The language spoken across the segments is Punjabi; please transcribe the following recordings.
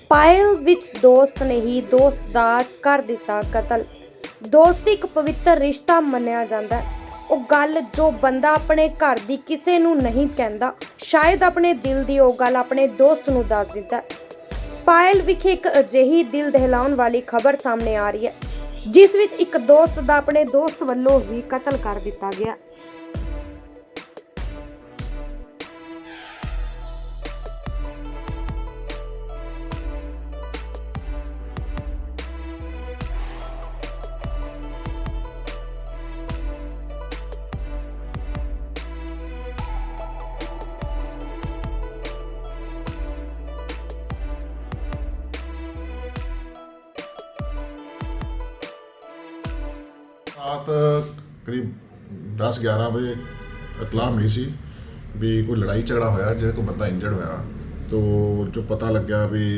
ਪਾਇਲ ਵਿੱਚ ਦੋਸਤ ਨੇ ਹੀ ਦੋਸਤ ਦਾ ਕਰ ਦਿੱਤਾ ਕਤਲ। ਦੋਸਤੀ ਇੱਕ ਪਵਿੱਤਰ ਰਿਸ਼ਤਾ ਮੰਨਿਆ ਜਾਂਦਾ ਹੈ। ਉਹ ਗੱਲ ਜੋ ਬੰਦਾ ਆਪਣੇ ਘਰ ਦੀ ਕਿਸੇ ਨੂੰ ਨਹੀਂ ਕਹਿੰਦਾ, ਸ਼ਾਇਦ ਆਪਣੇ ਦਿਲ ਦੀ ਉਹ ਗੱਲ ਆਪਣੇ ਦੋਸਤ ਨੂੰ ਦੱਸ ਦਿੰਦਾ ਹੈ। ਪਾਇਲ ਵਿਖੇ ਇੱਕ ਅਜਿਹੀ ਦਿਲ ਦਹਿਲਾਉਣ ਵਾਲੀ ਖਬਰ ਸਾਹਮਣੇ ਆ ਰਹੀ ਹੈ, ਜਿਸ ਵਿੱਚ ਇੱਕ ਦੋਸਤ ਦਾ ਆਪਣੇ ਦੋਸਤ ਵੱਲੋਂ ਹੀ ਕਤਲ ਕਰ ਦਿੱਤਾ ਗਿਆ। रात करीब 10-11 बजे इतलाह मिली सी भी कोई लड़ाई झगड़ा होया जिस कोई बंदा इंजर्ड होया। तो जो पता लग गया भी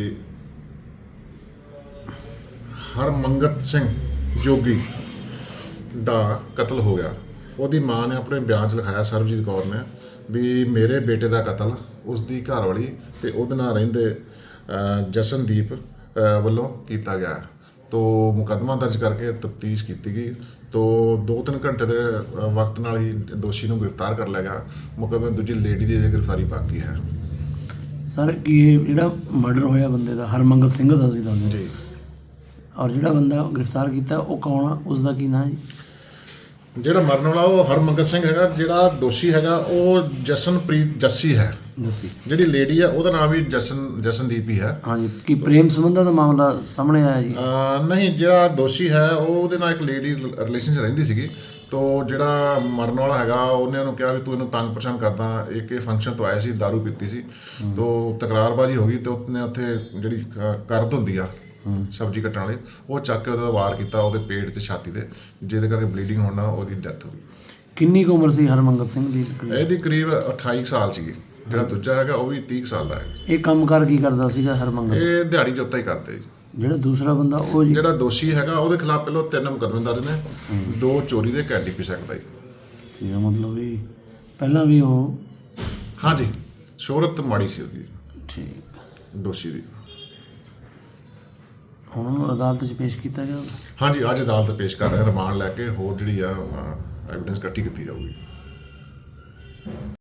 हरमंगत सिंह जोगी ਦਾ ਕਤਲ ਹੋ ਗਿਆ। ਉਹਦੀ ਮਾਂ ਨੇ ਆਪਣੇ ਬਿਆਨ 'ਚ ਲਿਖਾਇਆ, ਸਰਬਜੀਤ ਕੌਰ ਨੇ, ਵੀ ਮੇਰੇ ਬੇਟੇ ਦਾ ਕਤਲ ਉਸ ਦੀ ਘਰਵਾਲੀ ਤੇ ਉਹਦੇ ਨਾਲ ਰਹਿੰਦੇ ਜਸ਼ਨਦੀਪ ਵੱਲੋਂ ਕੀਤਾ ਗਿਆ। तो मुकदमा दर्ज करके तफ्तीश की गई। तो 2-3 घंटे के वक्त नाल ही दोषी को गिरफ्तार कर लिया गया। मुकदमे दूजी लेडी की गिरफ्तारी बाकी है। सर कि जो मर्डर होया बंदे का हरमंगत सिंह का सी दस जी, और जो बंदा गिरफ्तार किया वो कौन आ, उसका की नाम जी? ਜਿਹੜਾ ਮਰਨ ਵਾਲਾ ਉਹ ਹਰਮੰਗਤ ਸਿੰਘ ਹੈਗਾ। ਜਿਹੜਾ ਦੋਸ਼ੀ ਹੈਗਾ ਉਹ ਜਸਨਪ੍ਰੀਤ ਜੱਸੀ ਹੈ। ਜਿਹੜੀ ਲੇਡੀ ਹੈ ਉਹਦਾ ਨਾਮ ਵੀ ਜਸਨਦੀਪ ਹੀ ਹੈ। ਹਾਂਜੀ, ਕੀ ਪ੍ਰੇਮ ਸੰਬੰਧਾਂ ਦਾ ਮਾਮਲਾ ਸਾਹਮਣੇ ਆਇਆ ਜੀ? ਨਹੀਂ, ਜਿਹੜਾ ਦੋਸ਼ੀ ਹੈ ਉਹ ਉਹਦੇ ਨਾਲ ਇੱਕ ਲੇਡੀ ਰਿਲੇਸ਼ਨ 'ਚ ਰਹਿੰਦੀ ਸੀਗੀ। ਤੋ ਜਿਹੜਾ ਮਰਨ ਵਾਲਾ ਹੈਗਾ ਉਹਨੇ ਉਹਨੂੰ ਕਿਹਾ ਵੀ ਤੂੰ ਇਹਨੂੰ ਤੰਗ ਪਰੇਸ਼ਾਨ ਕਰਦਾ। ਇੱਕ ਫੰਕਸ਼ਨ ਤੋਂ ਆਇਆ ਸੀ, ਦਾਰੂ ਪੀਤੀ ਸੀ, ਤੋ ਤਕਰਾਰਬਾਜ਼ੀ ਹੋ ਗਈ ਤੇ ਉਹਨੇ ਉੱਥੇ ਜਿਹੜੀ ਕਰਦ ਹੁੰਦੀ ਆ ਸਬਜ਼ੀ ਕੱਟਣ ਵਾਲੀ, ਉਹ ਚੱਕ ਕੇ ਉਹਦਾ ਵਾਰ ਕੀਤਾ ਉਹਦੇ ਪੇਟ ਤੇ ਛਾਤੀ ਤੇ, ਜਿਹਦੇ ਕਰਕੇ ਬਲੀਡਿੰਗ ਹੋਣ ਨਾਲ ਉਹਦੀ ਡੈਥ ਹੋ ਗਈ। ਕਿੰਨੀ ਕੁ ਉਮਰ ਸੀ ਹਰਮੰਗਤ ਸਿੰਘ ਦੀ? ਇਹਦੀ ਕਰੀਬ 28 ਸਾਲ ਸੀਗੀ। ਜਿਹੜਾ ਦੂਜਾ ਹੈਗਾ ਉਹ ਵੀ 30 ਸਾਲ ਦਾ ਹੈ। ਇਹ ਕੰਮ ਕਰ ਕੀ ਕਰਦਾ ਸੀਗਾ ਹਰਮੰਗਤ? ਇਹ ਦਿਹਾੜੀ ਜੋਤਾ ਹੀ ਕਰਦੇ ਜੀ। ਜਿਹੜਾ ਦੂਸਰਾ ਬੰਦਾ ਉਹ ਜੀ, ਜਿਹੜਾ ਦੋਸ਼ੀ ਹੈਗਾ ਉਹਦੇ ਖਿਲਾਫ ਪਹਿਲਾਂ 3 ਮੁਕੱਦਮੇ ਦਰਜ ਨੇ, 2 ਚੋਰੀ ਦੇ KDP ਐਕਟ ਦਾ ਜੀ। ਠੀਕ ਹੈ, ਮਤਲਬ ਵੀ ਪਹਿਲਾਂ ਵੀ ਉਹ, ਹਾਂਜੀ, ਸ਼ੋਹਰਤ ਮਾੜੀ ਸੀ ਉਹਦੀ ਠੀਕ ਦੋਸ਼ੀ ਦੀ। ਹੁਣ ਉਹਨੂੰ ਅਦਾਲਤ 'ਚ ਪੇਸ਼ ਕੀਤਾ ਗਿਆ? ਹਾਂਜੀ, ਅੱਜ ਅਦਾਲਤ ਪੇਸ਼ ਕਰ ਰਹੇ, ਰਿਮਾਂਡ ਲੈ ਕੇ ਹੋਰ ਜਿਹੜੀ ਆ ਐਵੀਡੈਂਸ ਇਕੱਠੀ ਕੀਤੀ ਜਾਊਗੀ।